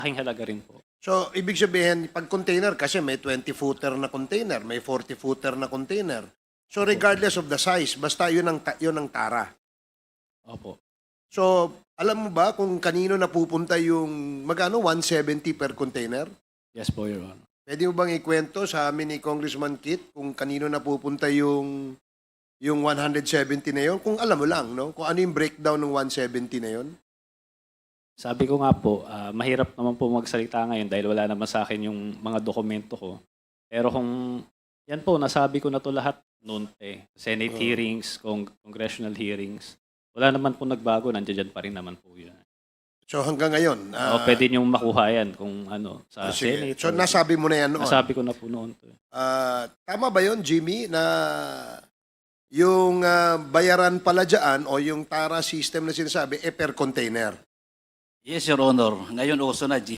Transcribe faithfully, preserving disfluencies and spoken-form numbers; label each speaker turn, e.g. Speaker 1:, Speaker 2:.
Speaker 1: malaking halaga rin po.
Speaker 2: So, ibig sabihin, pag container, kasi may twenty-footer na container, may forty-footer na container. So, regardless of the size, basta yun ang, ta- yun ang tara.
Speaker 1: Opo.
Speaker 2: So, alam mo ba kung kanino napupunta yung, magkano, one seventy per container?
Speaker 1: Yes po, Your Honor.
Speaker 2: Pwede mo bang ikwento sa amin ni Congressman Kit kung kanino napupunta yung yung one seventy na yun? Kung alam mo lang, no? Kung ano yung breakdown ng one seventy na yun?
Speaker 1: Sabi ko nga po, ah, mahirap naman po magsalita ngayon dahil wala naman sa akin yung mga dokumento ko. Pero kung yan po, nasabi ko na to lahat noon eh. Senate
Speaker 2: Oh.
Speaker 1: hearings, cong- congressional hearings. Wala naman po nagbago, nandiyan pa rin naman po yun.
Speaker 2: So hanggang ngayon,
Speaker 1: o
Speaker 2: ah,
Speaker 1: pwede niyong makuha yan kung ano, sa
Speaker 2: oh, sige.
Speaker 1: Senate.
Speaker 2: So
Speaker 1: or-
Speaker 2: nasabi mo na yan noon.
Speaker 1: nasabi ko na po noon to.
Speaker 2: Ah, tama ba yun, Jimmy, na yung ah, bayaran pala dyan o yung tara system na sinasabi, eh per container?
Speaker 3: Yes, Your Honor. Ngayon uso na G